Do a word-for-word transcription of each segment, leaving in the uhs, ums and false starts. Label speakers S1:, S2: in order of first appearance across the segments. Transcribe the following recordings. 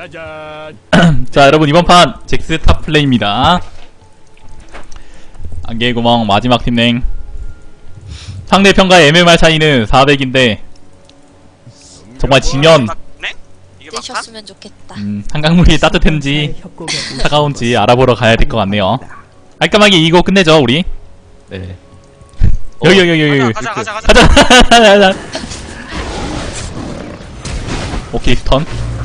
S1: 자 여러분 이번 판 잭스 탑 플레이입니다. 안개구멍 마지막 팀랭. 상대편과의 엠엠알 차이는 사백인데 정말 지면
S2: 되셨으면 좋겠다.
S1: 음, 한강물이 따뜻한지 차가운지 알아보러 가야 될 것 같네요. 깔끔하게 이기고 끝내죠 우리. 네. 여기 여기 여기 여기
S3: 가자 가자 가자
S1: 가자 가자. 오케이 스턴.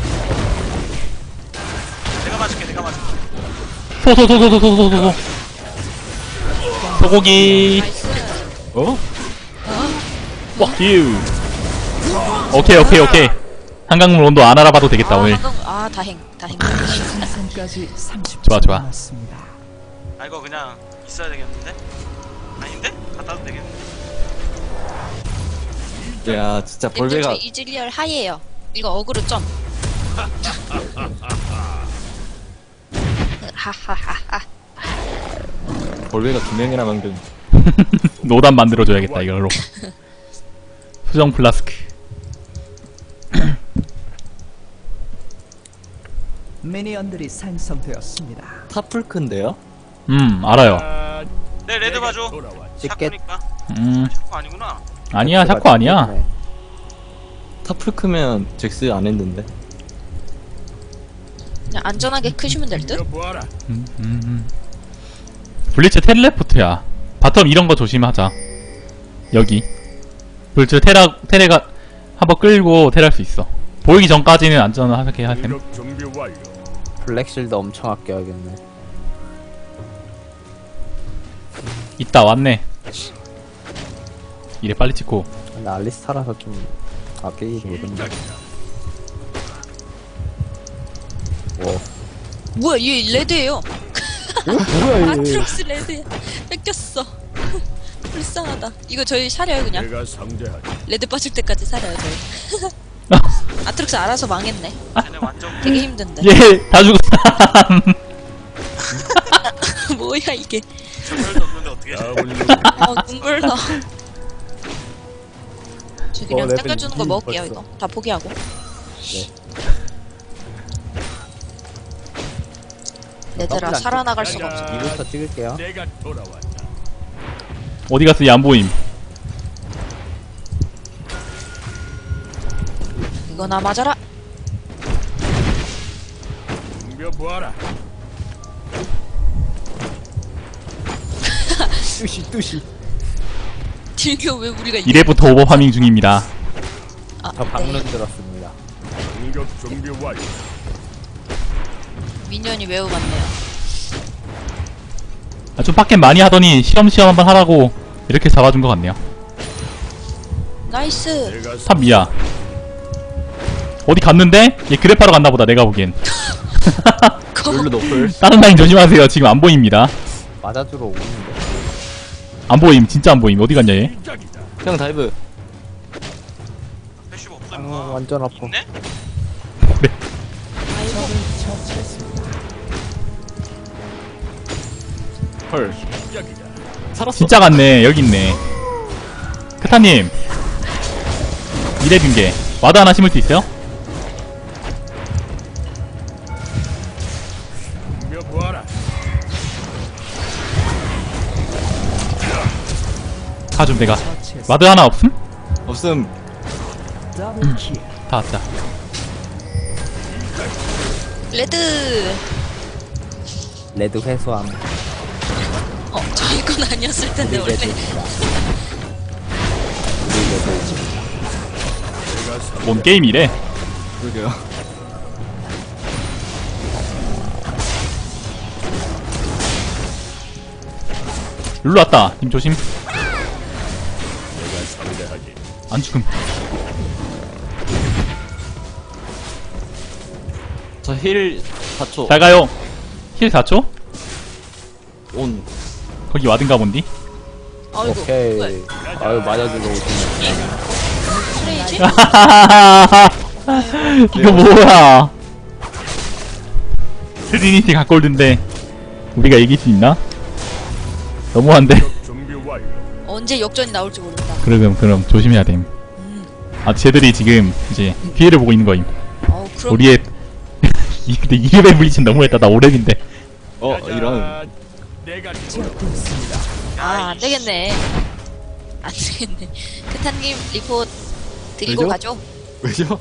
S3: 내가 맞을게 내가 맞을게
S1: 소소소소소소소소 소고기. 어? 뻑유. 오케이 오케이 오케이. 한강물 온도 안 알아봐도 되겠다.
S2: 아,
S1: 오늘.
S2: 한강, 아 다행 다행.
S1: 좋아 좋아.
S3: 아 이거 그냥 있어야 되겠는데? 아닌데? 갔다 와도 되겠는데?
S4: 야 진짜 볼베가
S2: 님들 저 이즈리얼 하이에요. 이거 어그로 점. 하하하하.
S4: 볼베가 두 명이나 만든
S1: 노단 만들어줘야겠다 이걸로. 수정 플라스크.
S5: 미니언들이 생성되었습니다.
S4: 타풀크인데요?
S1: 음 알아요.
S3: 내 레드 봐줘 샤크니까
S1: 음
S3: 샤크 아니구나
S1: 아니야 샤코 아니야.
S4: 타풀크면 잭스 안 했는데.
S2: 그냥 안전하게 크시면 될 듯.
S1: 음, 음, 음. 블리츠 텔레포트야. 바텀 이런 거 조심하자. 여기 블리츠 테라 테레가 한번 끌고 테랄 수 있어. 보이기 전까지는 안전하게 하셈.
S6: 블랙실드 엄청 아껴야겠네.
S1: 있다 왔네. 이래 빨리 찍고.
S6: 근데 알리스타라서 좀 아끼기 모른다. 와.
S2: 뭐야 얘 레드예요.
S6: 뭐야 얘.
S2: 아트록스 레드야. 뺏겼어. 불쌍하다. 이거 저희 사려요 그냥. 레드 빠질 때까지 사려요 저희. 아트록스 알아서 망했네.
S3: 쟤네 완전
S2: 되게 힘든데.
S1: 예, 다 죽었어.
S2: 뭐야 이게.
S3: 전멸도 없는데 어떻게
S2: 어 눈물 나. 저 그냥
S6: 어, 레벨
S2: 땡겨주는 거
S6: 이
S2: 먹을게요
S6: 벌써.
S2: 이거. 다 포기하고. 얘들아
S6: 나쁘지
S2: 살아나갈 수가 없어.
S6: 이부터 찍을게요.
S1: 어디 갔어? 얘 안 보임.
S2: 이거나 맞아라.
S6: 뚜시 뚜시.
S2: 딜교 왜 우리가 이겨?
S1: 이래부터 오버파밍 중입니다.
S2: 아,
S6: 저 방문
S2: 네.
S6: 들었습니다.
S2: 미니언이 매우 많네요.
S1: 아, 좀 빡겜 많이 하더니 시험시험 한번 하라고 이렇게 잡아준 것 같네요.
S2: 나이스.
S1: 탑 미야. 어디 갔는데? 얘 그래파로 갔나 보다 내가 보기엔.
S4: 룰루 노플.
S1: 다른 라인 조심하세요. 지금 안 보입니다.
S6: 맞아주러 오는데.
S1: 안 보임. 진짜 안 보임. 어디 갔냐 얘?
S4: 형 다이브.
S3: 패시브 없어
S6: 아
S3: 임마
S6: 완전 아파.
S3: 있네?
S4: 헐. 살았어.
S1: 진짜 갔네. 여기 있네. 크타님. 이래 빈게 와드 하나 심을 수 있어요? 가좀 내가 와드 하나 없음?
S4: 없음.
S5: 더블킬.
S1: 다 왔다.
S2: 레드.
S6: 레드 회수함.
S2: 어 저희 건 아니었을 텐데
S6: 우리
S2: 원래.
S6: 레드입니다. 우리 레드.
S1: 뭔 게임이래?
S4: 그러게요.
S1: 룰루 왔다. 님 조심. 안 죽음.
S4: 저 힐 사 초.
S1: 잘 가요. 힐 사 초?
S4: 온.
S1: 거기 와든가 본디?
S2: 아이고.
S6: 오케이.
S2: 뭐야.
S6: 아유 맞아주러 오시네.
S2: 트레이지?
S1: 이거 뭐야? 트리니티 갓골드인데 우리가 이길 수 있나? 너무한데?
S2: 언제 역전이 나올지 모른다.
S1: 그럼 그럼 조심해야 됨. 아 쟤들이 지금 이제 기회를 보고 있는 거임.
S2: 어 그럼
S1: 우리의 이 근데 이 레벨 블리츠는 너무했다. 나 오 렙인데.
S4: 어 이런.
S5: 제압되었습니다.
S2: 아, 안 되겠네. 안 되겠네. 크타님, 리포트 드리고
S4: 왜죠?
S2: 가죠.
S4: 왜죠?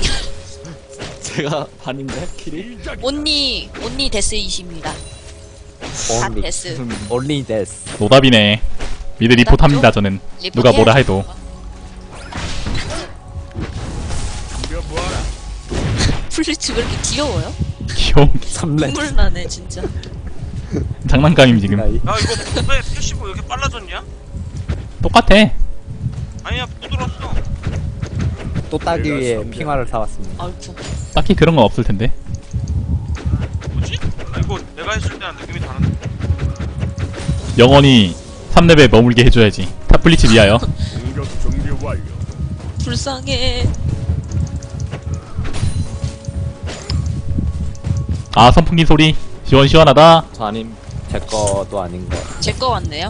S4: 제가 반인데 킬이?
S2: 온니, 온니 데스이십니다. 다
S6: only
S2: 데스.
S6: only this.
S1: 노답이네. 미드 리포트 합니다, 저는.
S2: 리포트
S1: 누가 뭐라
S2: 해야지.
S1: 해도.
S2: 플리츠 왜 이렇게 귀여워요?
S1: 귀여운 게
S6: 삼 렙.
S2: 눈물 나네, 진짜.
S1: 장난감임, 지금.
S6: 가이.
S3: 야 이거 왜 패시브 이렇게 빨라졌냐?
S1: 똑같아.
S3: 아니야 부드럽어.
S6: 또 따기 위해 핑화를 사왔습니다.
S2: 아이쿠.
S1: 딱히 그런 건 없을 텐데.
S3: 뭐지? 아, 이거 내가 했을 때랑 느낌이 다른데.
S1: 영원히 삼 렙에 머물게 해줘야지. 탑 블리츠 위하여.
S2: 불쌍해.
S1: 아, 선풍기 소리. 시원시원하다.
S4: 저 아님.
S6: 제 거도 아닌 거.
S2: 제 거 왔네요.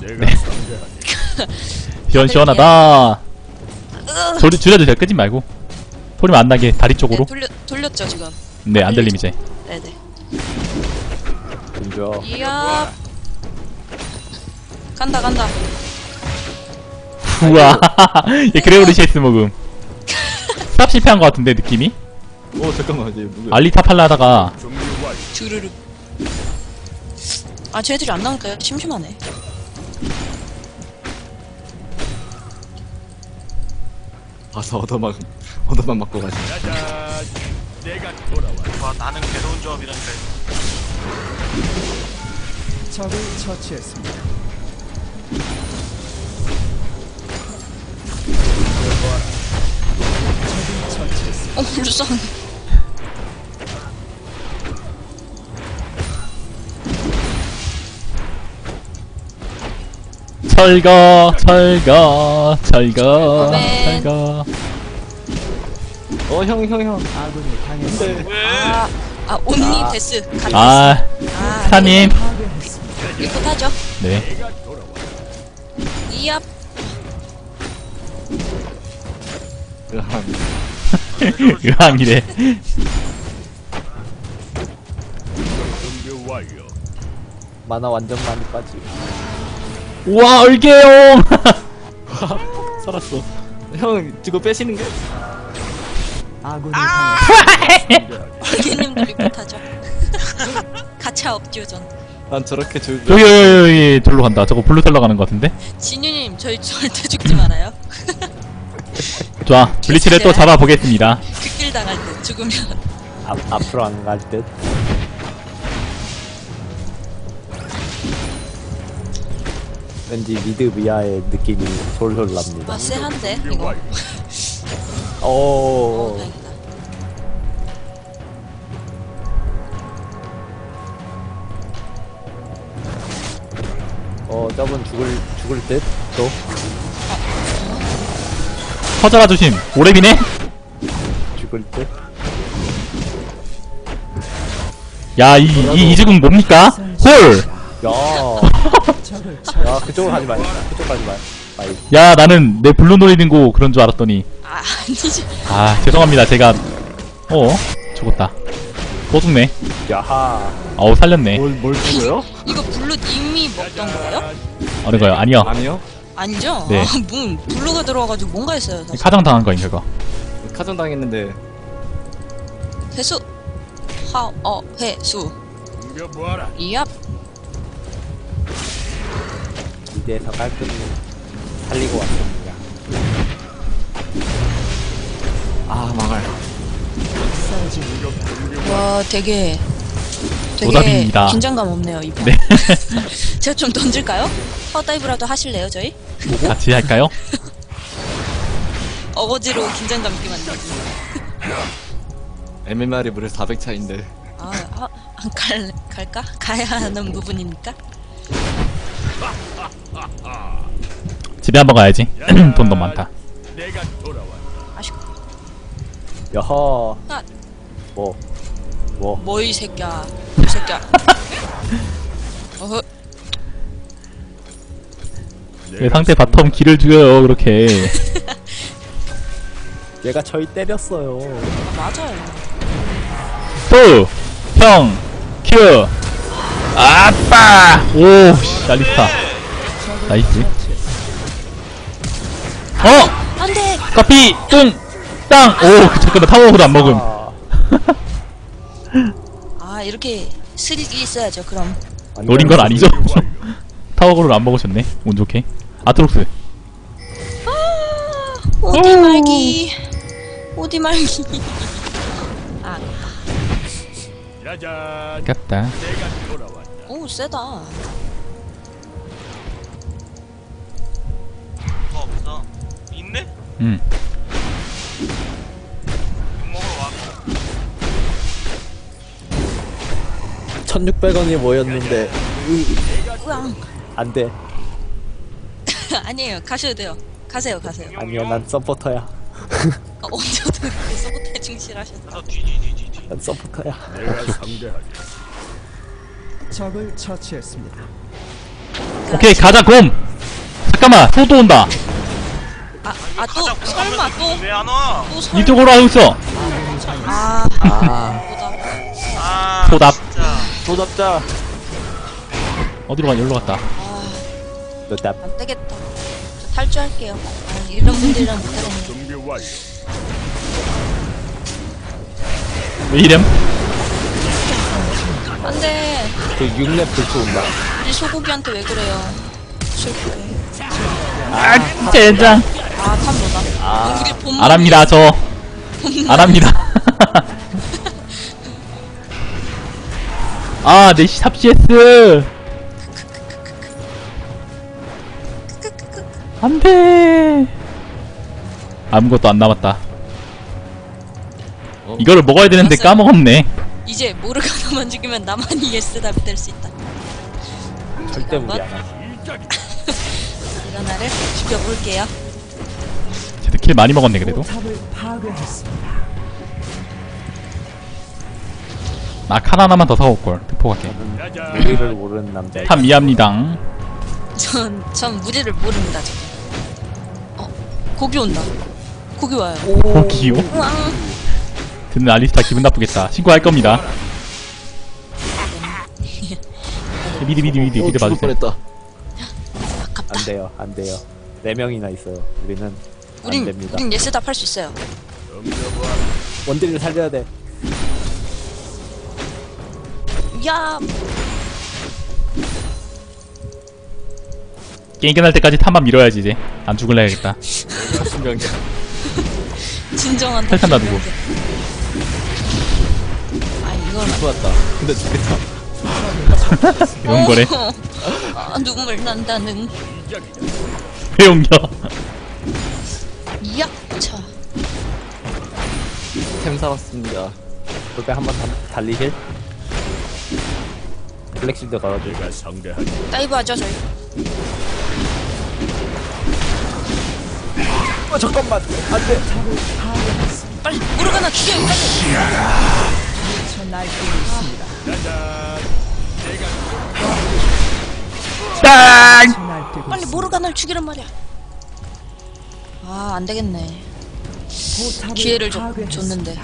S1: 시원시원하다. 소리 줄여도 돼. 끄지 말고. 소리만 안 나게 다리
S2: 네,
S1: 쪽으로.
S2: 돌려, 돌렸죠, 지금.
S1: 네, 안 들림 이제.
S2: 네네.
S6: 그죠?
S2: 이야. 간다, 간다.
S1: 우와. 얘 그레오르시에스 먹음. 스탑 실패한 것 같은데, 느낌이?
S4: 오 잠깐만 이제 누구야?
S1: 알리타 팔라 하다가
S2: 주르륵. 아, 쟤들이 안 나오니까 심심하네.
S4: 가서 얻어만 얻어만 맞고 가지.
S3: 와 나는 괴로운 조합이라니까.
S5: 적을 처치했습니다. 적을 처치했습니다.
S2: 어, 불쌍해.
S1: 철거, 철거, 철거,
S2: 아멘.
S1: 철거.
S4: 어 형 형 형.
S5: 아군이 당했습니다.
S3: 왜?
S2: 아, 아, 온니 데스. 같이.
S1: 아,
S2: 아,
S1: 사님.
S5: 파괴했습니다.
S2: 리포트 하죠.
S1: 네.
S2: 이야.
S1: 의왕이래.
S6: 만화 완전 많이 빠지.
S1: 우와, 얼개용!
S4: 살았어. 형 지금 빼시는 게?
S5: 아군이 당했습니다.
S2: 얼개님도 리포트 하죠. 가차 업듀전.
S4: 난 저렇게 줄.
S1: 여기, 여기, 여기, 저로 간다. 저거 블루 털러 가는 것 같은데?
S2: 진유님, 저희 절대 죽지 말아요.
S1: 좋아. 블리치를 또 잡아보겠습니다.
S2: 극딜 당할 때 죽으면.
S6: 앞 앞으로 안 갈 듯. 왠지 미드 미아의 느낌이 솔솔 납니다.
S2: 아, 쎄한데, 이거. 어,
S6: 오.
S2: 다행이다.
S6: 어, 저분 죽을 죽을 듯. 또
S1: 커져라 조심. 오랩이네?
S6: 죽을 듯.
S1: 야, 이, 이, 이즈궁 뭡니까? 홀!
S6: 야.
S5: 적을
S6: 야, 그쪽으로 가지 마. 그쪽 가지 마. 마이.
S1: 야, 나는 내 블루 노리는 거 그런 줄 알았더니.
S2: 아, 아니지.
S1: 아, 죄송합니다. 제가, 어? 죽었다. 또 죽네.
S6: 야하.
S1: 어우, 살렸네.
S4: 뭘뭘 죽어요?
S2: 이거 블루 님이 먹던 거예요?
S1: 어느 거요? 아니요.
S4: 아니요.
S2: 아니죠?
S1: 네.
S2: 아, 문 블루가 들어와가지고 뭔가 했어요. 사실.
S1: 카정 당한 거인 그거.
S4: 카전 당했는데.
S2: 회수. 하, 어, 회수. 이압.
S6: 미드에서 깔끔히 살리고 왔습니다.
S4: 아 망할.
S2: 와, 되게. 되게
S1: 노답입니다.
S2: 긴장감 없네요, 이번.
S1: 네.
S2: 제가 좀 던질까요? 파워다이브라도 하실래요, 저희?
S1: 같이 할까요?
S2: 어거지로 긴장감 있게 만들기.
S4: 엠엠알이 무려 사백 차인데.
S2: 아, 아, 안 갈, 갈까? 가야 하는 부분입니까?
S1: 집에 한번 가야지. 돈 너무 많다.
S2: 아쉽고.
S6: 여허.
S2: 아.
S6: 뭐. 뭐.
S2: 뭐, 이 새끼야. 이 새끼야. 어허.
S1: 왜 상대 바텀 길을 죽여요, 그렇게.
S6: 얘가 저희 때렸어요.
S2: 아, 맞아요.
S1: 또! 형 큐. 아빠. 오 씨, 알리스타 나이스. 어
S2: 안돼.
S1: 커피 뚱땅. 오 잠깐만 타워도 안 먹음.
S2: 아 이렇게 스릴이 있어야죠. 그럼.
S1: 노린 건 아니죠? 타워를 안 먹으셨네. 운 좋게. 아트록스.
S2: 어디 말기. 어디 말기. 아,
S1: 아깝다.
S2: 오 세다.
S3: 뭐 없어. 있네?
S1: 응.
S3: 욕 먹으러 와.
S6: 천육백 원이 모였는데
S2: 우왕.
S6: 안돼.
S2: 아니에요. 가셔도 돼요. 가세요, 가세요.
S6: 아니야 난 서포터야.
S2: 아, 언제부터 그렇게 서브타에 충실하셨어?
S3: 너 뒤뒤뒤뒤뒤.
S6: 난 서포터야.
S5: 적을 처치했습니다.
S1: 오케이 가자 곰. 잠깐만 소도 온다.
S2: 아, 아 또 설마 또
S3: 왜안 와?
S2: 또 설마.
S1: 이쪽으로 하고 있어.
S2: 아,
S6: 아
S2: 보다.
S3: 아
S1: 소답.
S3: 진짜.
S6: 도잡자.
S1: 어디로 가? 여기로 갔다.
S6: 노답.
S2: 안 되겠다. 저 탈주할게요. 아, 이런 분들이랑 못하겠네.
S1: 왜 이름?
S2: 안돼.
S6: 그 육렙 불초 온다.
S2: 우리 소고기한테 왜 그래요? 실패.
S1: 아 진짜 연장.
S2: 아, 탐로다.
S6: 아.
S2: 우리 본.
S1: 안합니다 저. 안합니다. 아 내시 탑시에스. 안돼. 아무것도 안 남았다.
S4: 어?
S1: 이거를 먹어야 되는데
S2: 알았어요.
S1: 까먹었네.
S2: 이제 모르가나만 죽이면 나만 예스 답이 될 수 있다.
S6: 절대 무리 안 하지.
S2: 모르가나를 죽여볼게요.
S1: 쟤도 킬 많이 먹었네 그래도.
S5: 포탑을 파괴했습니다.
S1: 아 칸 하나만 더 사올걸. 특포 갈게.
S6: 우리를 모르는 남자.
S1: 참 미합니다.
S2: 전, 전 무리를 모릅니다, 지금. 어, 고기 온다. 고기 와요.
S1: 고기요?
S2: 우왕.
S1: 듣는 알리스타 기분 나쁘겠다. 신고할 겁니다. 미드 미드 미드
S4: 어
S1: 미드
S4: 죽을
S1: 봐주세요.
S4: 뻔했다.
S2: 아깝다.
S6: 안 돼요 안 돼요. 네 명이나 있어요. 우리는 안
S2: 우린,
S6: 됩니다.
S2: 우린 예스 답 할 수 있어요.
S6: 원딜을 살려야 돼.
S2: 야,
S1: 게임 끝날 때까지 탐만 밀어야지 이제. 안 죽을래야겠다.
S4: 신기한
S2: 진정한
S1: 탈탄 놔두고.
S2: 아, 이걸.
S4: 좋았다. 근데 죽겠다.
S1: 이런 거래.
S2: 아, 눈물 난다는.
S1: 왜 옮겨?
S2: 야, 차.
S4: 템 사왔습니다.
S6: 그때 한번 달리실? 블랙실드 걸어줘.
S2: 다이브 하죠, 저희.
S6: 어 잠깐만 안돼.
S2: 빨리, 모르가나 죽여요, 빨리.
S5: 저 날뛰고 있습니다.
S1: 땅!
S5: 저 날뛰고
S2: 빨리
S5: 있습니다.
S2: 모르가나를 죽이란 말이야. 아, 안 되겠네.
S5: 포탑을
S2: 기회를 줬,
S5: 파괴했습니다.
S2: 줬는데.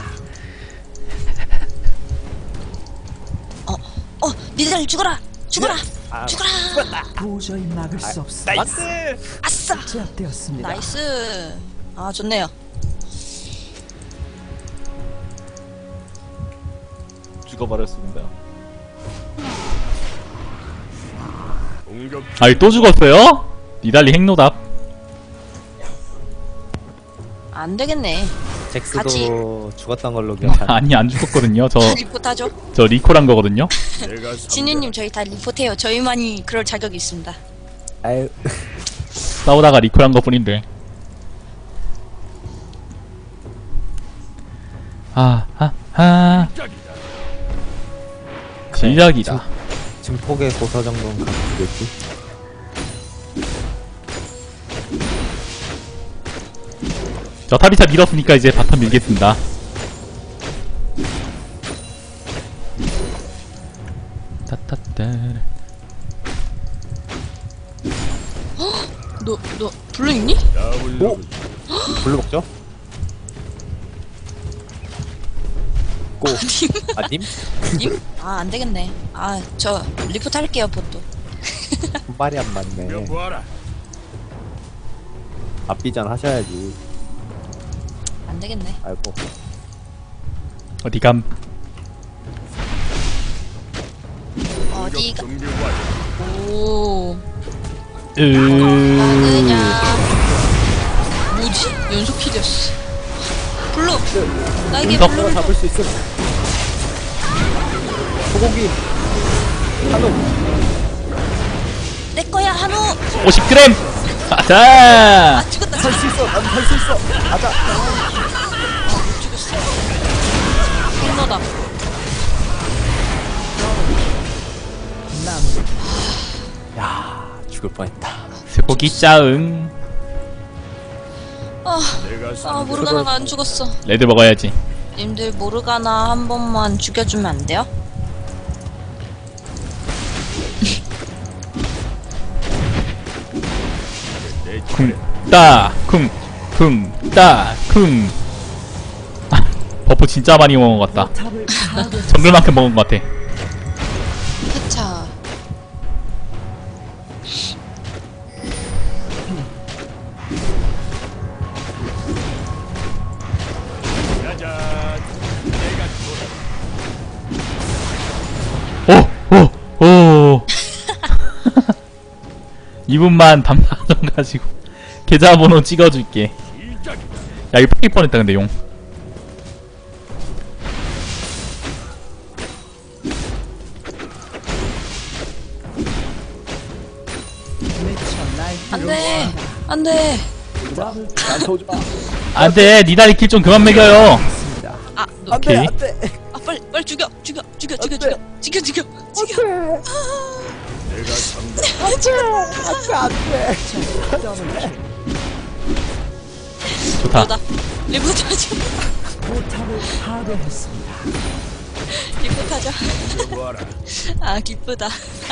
S2: 어, 어, 니들 죽어라! 죽어라!
S6: 아,
S2: 죽어라!
S5: 도저히 막을 수 없습니다.
S6: 나이스.
S2: 아싸!
S5: 제압되었습니다.
S2: 나이스. 아, 좋네요.
S4: 죽어버렸습니다.
S1: 아이 또 죽었어요? 니달리 핵노답.
S2: 안 되겠네.
S6: 잭스도
S2: 같이.
S6: 죽었던 걸로 기억하네.
S1: 아니 안 죽었거든요. 저 저
S2: 리포트 하죠.
S1: 리콜한 거거든요.
S2: 진유님, 저희 다 리포트해요. 저희만이 그럴 자격이 있습니다.
S6: 아유
S1: 싸우다가 리콜한 것 뿐인데. 아, 아, 아. 시작이다.
S6: 증폭의 고서 정도는 갖추겠지.
S1: 저 타비차 밀었으니까 이제 바텀 밀겠습니다. 따따따.
S2: 너, 너, 블루 있니?
S6: 오! 블루 먹죠? 있고. 아, 님?
S2: 님? 아, 안 되겠네. 아, 저 리포트 할게요, 보또.
S6: 말이 안 맞네. 앞비전 하셔야지.
S2: 안 되겠네.
S6: 아이고.
S1: 어디감?
S2: 어디가? 오.
S1: 으...
S2: 막으냐. 뭐지? 연속 킬이었어. 블루! 나에게
S1: 연속?
S2: 블루를
S6: 잡을 수 있음. 소고기. 한우.
S2: 내 거야, 한우!
S1: 오십 그램! 아자!
S2: 아, 죽었다.
S6: 할 수 있어. 난 할 수 있어. 가자.
S2: 못 죽였어. 힐러다.
S6: 야, 죽을 뻔했다.
S1: 스포기 짜응.
S2: 아, 아, 모르가나가 안 죽었어.
S1: 레드 먹어야지.
S2: 님들 모르가나 한 번만 죽여주면 안 돼요?
S1: 쿵, 따, 쿵, 쿵, 따, 쿵. 아, 버프 진짜 많이 먹은 것 같다.
S5: 포탑을 파괴.
S1: 정글만큼 먹은 것 같아.
S2: 그차.
S1: 오! 오! 오! 이분만 담당 좀 가지고 계좌번호 찍어줄게. 야 이거 뺏길 뻔했다 근데 용.
S5: 미쳐 날뛰고
S2: 안 돼! 안 돼!
S6: 나한테 오지 마.
S1: 안돼 니다리 킬 좀 그만 먹여요.
S5: 있습니다.
S2: 아, 너,
S6: 안 돼,
S1: 오케이.
S6: 안 돼.
S2: 아, 빨리, 빨리 죽여! 죽여! 죽여! 죽여!
S6: 안
S2: 죽여!
S6: 돼.
S2: 죽여! 죽여! 죽여!
S6: 안 돼.
S1: 좋다.
S2: 나 리포트 하자.
S5: 포탑을 파괴했습니다.
S2: 리포트 하자. 아, 기쁘다.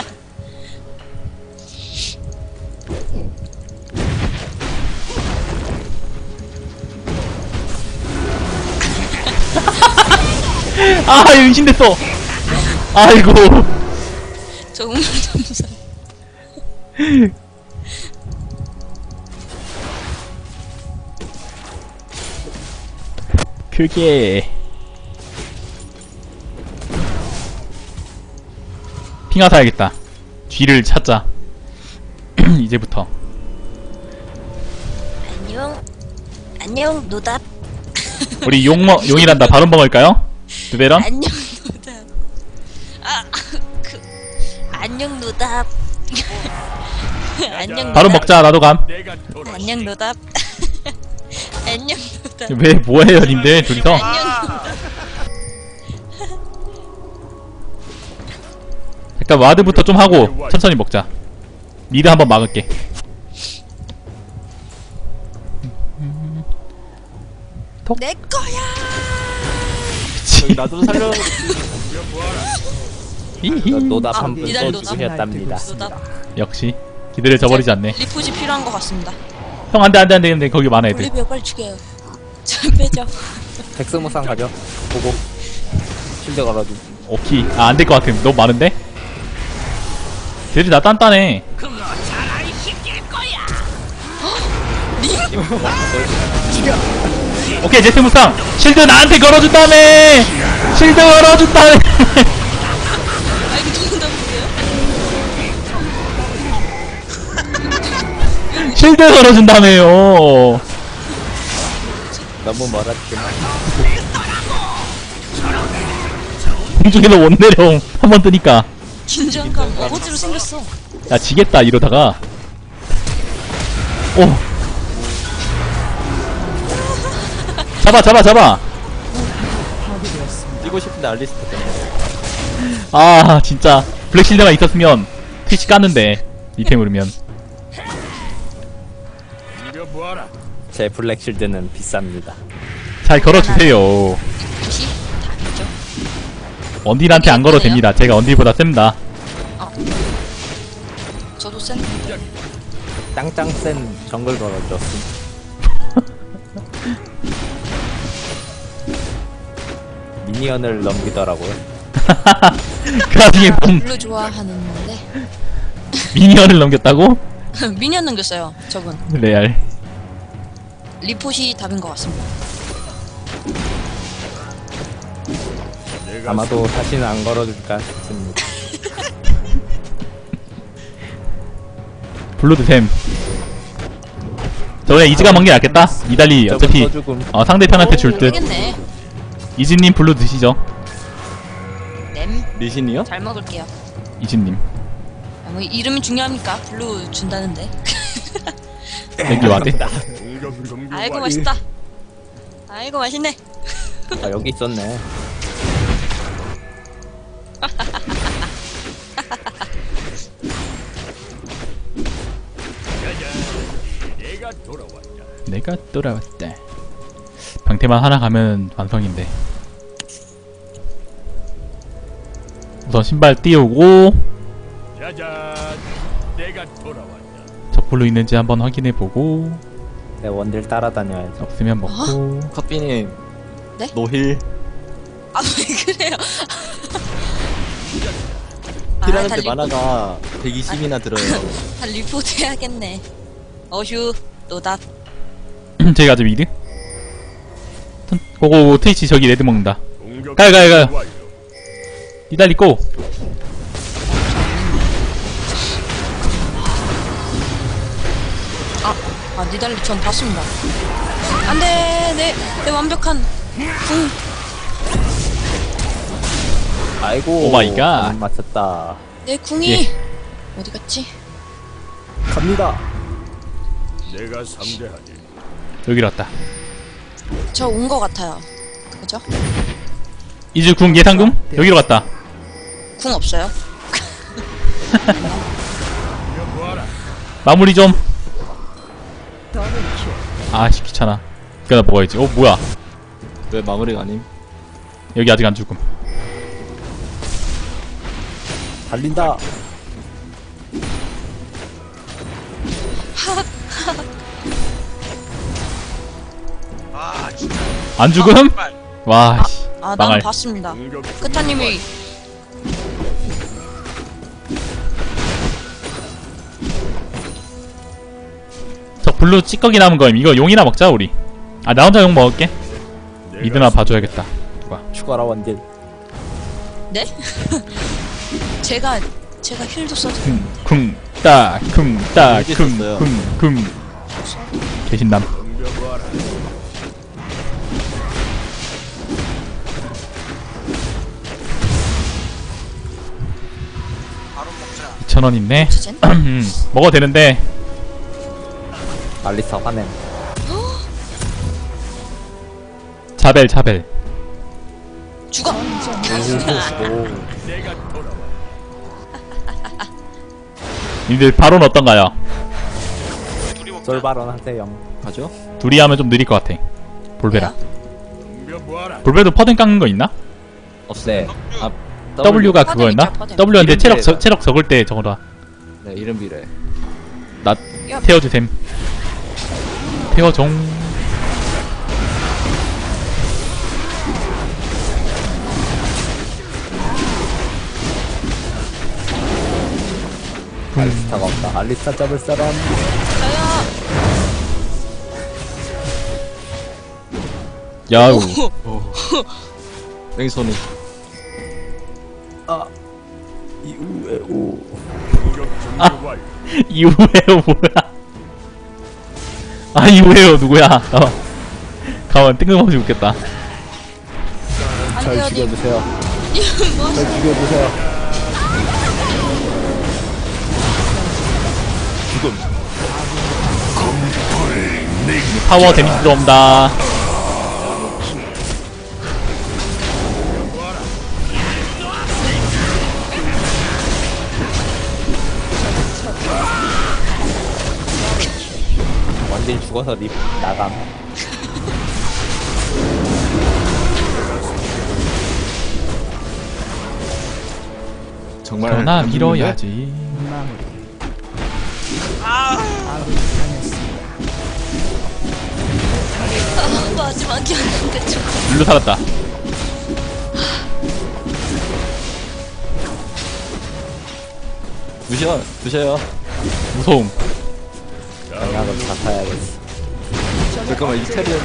S1: 아 은신됐어. 아이고.
S2: 정말 점사.
S1: 그게 핑하 사야겠다. 뒤를 찾자. 이제부터.
S2: 안녕. 안녕, 노답.
S1: 우리 용 먹, 용이란다. 바로 먹을까요? 두배런?
S2: 안녕, 노답. 아, 그, 안녕, 노답. 안녕,
S1: 바로
S2: 노답.
S1: 먹자. 나도 감.
S2: 안녕, 노답. 안녕, 노답.
S1: 왜 뭐해요 님들 둘이서?
S2: 안녕, 노답.
S1: 잠깐 와드부터 좀 하고 천천히 먹자. 미드 한번 막을게.
S2: 내 거야.
S1: 그치.
S6: 나도 살려.
S1: 히히.
S6: 노답
S2: 아,
S6: 한분
S2: 이달
S6: 더
S2: 노답.
S6: 죽으셨답니다.
S2: 노답.
S1: 역시 기대를 저버리지 않네.
S2: 리포지 필요한 것 같습니다.
S1: 형 안돼 안돼 안돼 근데 거기 많아 애들.
S2: 올리비아 빨리 죽여요. 잘 빼죠.
S6: 백스무상 가죠. 보고. 실드 걸어줘.
S1: 오케이. 아 안될 것 같아. 너무 많은데? 쟤들이 나 단단해. 오케이 제트 무쌍 실드 나한테 걸어준다며. 실드 걸어준다며.
S2: 아, 이거 죽는다 보세요.
S1: 실드 걸어준다며요.
S6: 너무 멀었지만.
S1: 공중에서 못 내려. 한 번 뜨니까.
S2: 긴장감 어거지로 생겼어.
S1: 야 지겠다 이러다가. 오. 잡아 잡아 잡아.
S6: 뛰고 싶은데 알리스트 때문에.
S1: 아 진짜 블랙실드가 있었으면 트위치 깠는데 이템으로면.
S6: 제 블랙 실드는 비쌉니다.
S1: 잘 걸어주세요.
S2: 키? 다 아니죠.
S1: 언딜한테 안 걸어도 됩니다. 제가 언딜보다 셉니다.
S2: 저도 센.
S6: 짱짱 센 정글 걸어줬음. 미니언을 넘기더라고요.
S1: 그 와중에 몸
S2: 블루 좋아하는데
S1: 미니언을 넘겼다고?
S2: 미니언 넘겼어요 저분.
S1: 레알.
S2: 리포시 답인 것 같습니다.
S6: 아마도 다시는 안 걸어줄까 싶습니다.
S1: 블루드 템. 저번에 이즈가 먹는 게 낫겠다. 이달리 어차피
S6: 써죽음.
S1: 어, 상대편한테 줄 듯.
S2: 되겠네.
S1: 이즈님 블루 드시죠.
S2: 램.
S4: 리신이요?
S2: 잘 먹을게요.
S1: 이즈님.
S2: 아, 뭐 이름이 중요합니까? 블루 준다는데.
S1: 여기 와대.
S2: 아이고 맛있다. 아이고 맛있네.
S6: 아 여기 있었네.
S1: 내가 돌아왔다. 방태만 하나 가면 완성인데. 우선 신발 띄우고 저 블루 있는지 한번 확인해보고
S6: 내 원딜 따라다녀야죠.
S1: 없으면 먹고.
S4: 커피님.
S2: 네?
S4: 노힐.
S2: 아 왜 그래요?
S4: 힐하는데
S2: 다 리-
S4: 만화가 백이십이나 들어요.
S2: 다 리포트 해야겠네. 어휴 노답.
S1: 제가 아주 미드. 고고 트위치 저기 레드 먹는다. 가요 가요 가요. 이달리 고.
S2: 아 니달리 전 봤습니다. 안돼 내, 내 완벽한 궁.
S6: 아이고.
S1: 오 마이 갓.
S6: 안 맞췄다.
S2: 내 궁이
S1: 예.
S2: 어디 갔지?
S6: 갑니다.
S7: 내가 상대하지.
S1: 여기로 왔다.
S2: 저 온 거 같아요. 그죠?
S1: 이즈 궁 예상궁? 여기로 갔다.
S2: 궁 없어요.
S1: 마무리 좀. 아씨 귀찮아. 그나 먹어야지. 어 뭐야?
S4: 왜 마무리가 아님?
S1: 여기 아직 안 죽음.
S6: 달린다.
S3: 아 진짜.
S1: 안 죽음?
S3: 정말.
S1: 와 씨.
S2: 아, 난
S1: 망할.
S2: 봤습니다. 크타님이
S1: 저 블루 찌꺼기 남은 거임. 이거 용이나 먹자 우리. 아 나 혼자 용 먹을게. 미드나 봐줘야겠다. 누가?
S6: 추가라 원딜.
S2: 네? 제가 제가 힐도 써도
S1: 쿵, 따, 쿵, 따,
S4: 어디
S1: 쿵,
S4: 있었어요?
S1: 쿵, 쿵. 개신남.
S3: 바로 먹자.
S1: 이천 원 있네.
S2: 진짜?
S1: 음, 먹어도 되는데.
S6: 알리사 화냄.
S1: 자벨, 자벨.
S2: 죽어.
S6: 오.
S1: 님들 바론 어떤가요?
S3: 둘이 먹자.
S6: 썰발언 하세요.
S4: 가죠?
S1: 둘이 하면 좀 느릴 것 같아. 볼베라.
S2: 왜요?
S1: 볼베도 퍼든 깎는 거 있나?
S4: 없애. 아
S1: W가
S2: 퍼든
S1: 그거였나?
S2: 있죠, 퍼든.
S1: W였는데
S4: 이름
S1: 체력,
S4: 비례.
S1: 저, 체력 적을 때 적어라.
S4: 네 이름 비례.
S1: 나
S2: 야.
S1: 태워주셈. 태워종.
S6: 알리스타가 없다. 알리스타 잡을 사람.
S2: 저요.
S1: 야우.
S4: 뺑소니.
S6: 아. 이우에 오.
S1: 이후에요 뭐야? 아 이후에요 누구야? 가만. 가만 뜬금없이 웃겠다.
S6: 잘
S2: 안돼요 님.
S6: 죽여주세요.
S2: 뭐
S6: 잘 죽여주세요.
S1: 파워 데미지 들어온다.
S6: 원딜 죽어서 립 나감.
S4: 정말
S1: 전화
S4: 안
S1: 밀어야지.
S5: 마무리.
S3: 아
S5: 아군이 당했습니다.
S2: 아, 마지막이었는데 좀.
S1: 일로 살았다.
S4: 드셔 드셔요.
S1: 무서움.
S6: 장약은 다 타야겠어.
S4: 잠깐만 이태리언.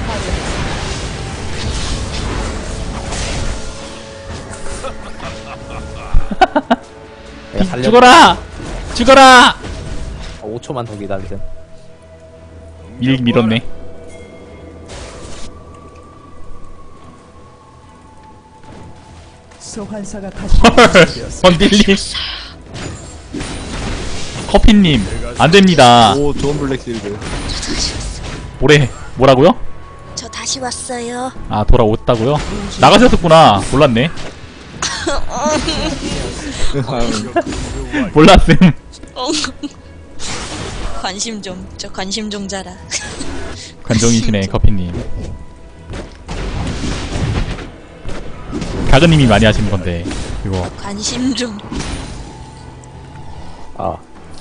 S6: 내가 살려.
S1: 죽어라! 죽어라!
S6: 오 초만 더 기다리세요.
S1: 밀, 밀었네.
S5: 소환사가 다시
S1: 헐! 번딜님. 커피님, 안 됩니다.
S4: 오 좋은 블랙실드.
S1: 뭐래? 뭐라고요?
S2: 저 다시 왔어요.
S1: 아, 돌아왔다고요? 나가셨었구나. 몰랐네. 몰랐음.
S2: 관심 좀, 저 관심 좀 자라.
S1: 관종이시네, 커피님. 가그님이 많이 하시는 건데, 이거.
S2: 관심 좀.
S6: 아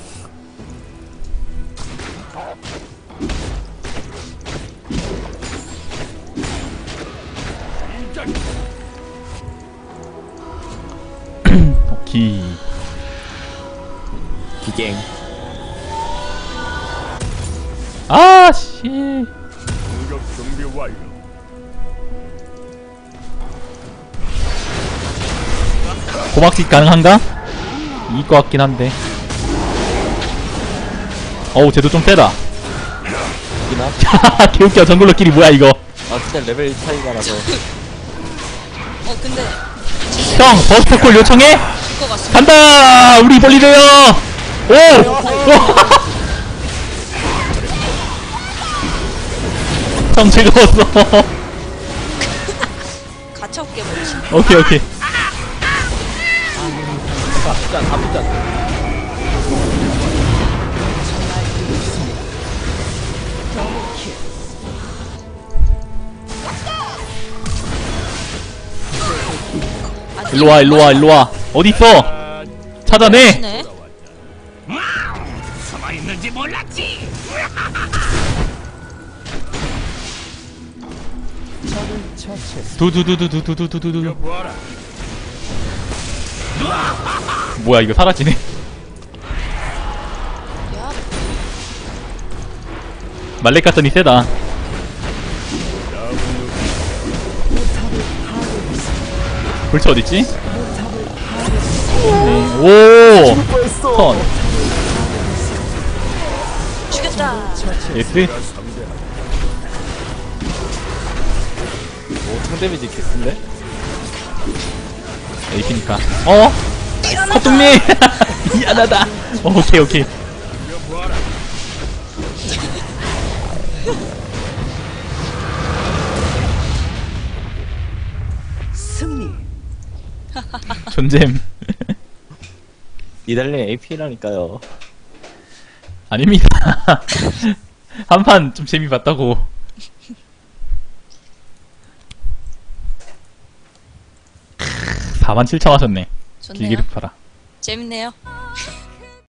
S1: 기.
S6: 기갱.
S1: 아, 씨.
S7: 공격 준비 완료.
S1: 고막식 가능한가? 이길 것 같긴 한데. 어우, 쟤도 좀 세다.
S4: 이나?
S1: 개웃겨, 정글러끼리 뭐야, 이거.
S4: 아 진짜 레벨 차이가 나서.
S2: 어, 근데
S1: 형, 버스터콜 요청해?
S2: 줄것 같습니다.
S1: 간다! 우리 벌리래요! 오! 오! 형 즐거웠어.
S2: 가차없게 버리시네.
S1: 오케이, 오케이.
S6: 다 붙잖아 다 붙잖아.
S1: 일로와, 일로와, 일로와. 어딨어? 찾아내!
S2: 네.
S5: 적을 처치했습니다.
S1: 두두두두두두두두두.
S7: 보아라.
S1: 뭐야, 이거 사라지네.
S2: 야,
S1: 말렉 갔더니 세다. 불치 어딨지? 네. 오! 턴.
S2: 죽였다.
S1: 예스?
S7: 내가 상대하지.
S4: 오 상데미지 개쓴데?
S1: 에이피니까. 어? 헛둥님! 미안하다. 어, 오케이, 오케이.
S7: 보아라.
S5: 승리.
S1: 존잼.
S4: 이달님 에이피라니까요.
S1: 아닙니다. 한 판 좀 재미 봤다고. 사만 칠천 하셨네.
S2: 좋네요.
S1: 길기를 팔아.
S2: 재밌네요.